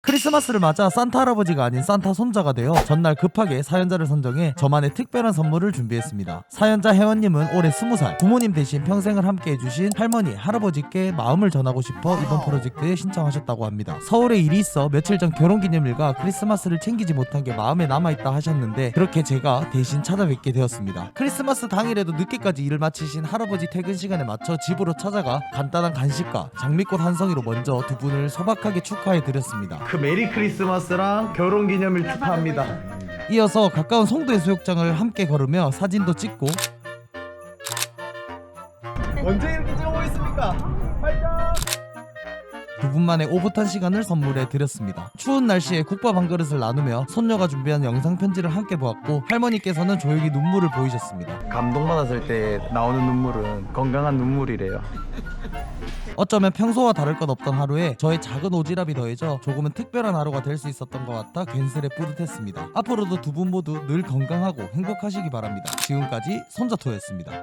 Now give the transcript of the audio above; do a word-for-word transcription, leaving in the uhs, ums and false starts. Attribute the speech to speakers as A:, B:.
A: 크리스마스를 맞아 산타 할아버지가 아닌 산타 손자가 되어 전날 급하게 사연자를 선정해 저만의 특별한 선물을 준비했습니다. 사연자 혜원님은 올해 스무 살, 부모님 대신 평생을 함께 해주신 할머니, 할아버지께 마음을 전하고 싶어 이번 프로젝트에 신청하셨다고 합니다. 서울에 일이 있어 며칠 전 결혼기념일과 크리스마스를 챙기지 못한 게 마음에 남아있다 하셨는데 그렇게 제가 대신 찾아뵙게 되었습니다. 크리스마스 당일에도 늦게까지 일을 마치신 할아버지 퇴근 시간에 맞춰 집으로 찾아가 간단한 간식과 장미꽃 한 송이로 먼저 두 분을 소박하게 축하해 드렸습니다. 그 메리 크리스마스랑 결혼기념일 축하합니다. 이어서 가까운 송도 해수욕장을 함께 걸으며 사진도 찍고 언제 이렇게 찍어보겠습니까? 활짝! 두 분만의 오붓한 시간을 선물해 드렸습니다. 추운 날씨에 국밥 한 그릇을 나누며 손녀가 준비한 영상 편지를 함께 보았고 할머니께서는 조용히 눈물을 보이셨습니다. 감동받았을 때 나오는 눈물은 건강한 눈물이래요. 어쩌면 평소와 다를 것 없던 하루에 저의 작은 오지랖이 더해져 조금은 특별한 하루가 될 수 있었던 것 같아 괜스레 뿌듯했습니다. 앞으로도 두 분 모두 늘 건강하고 행복하시기 바랍니다. 지금까지 손자토였습니다.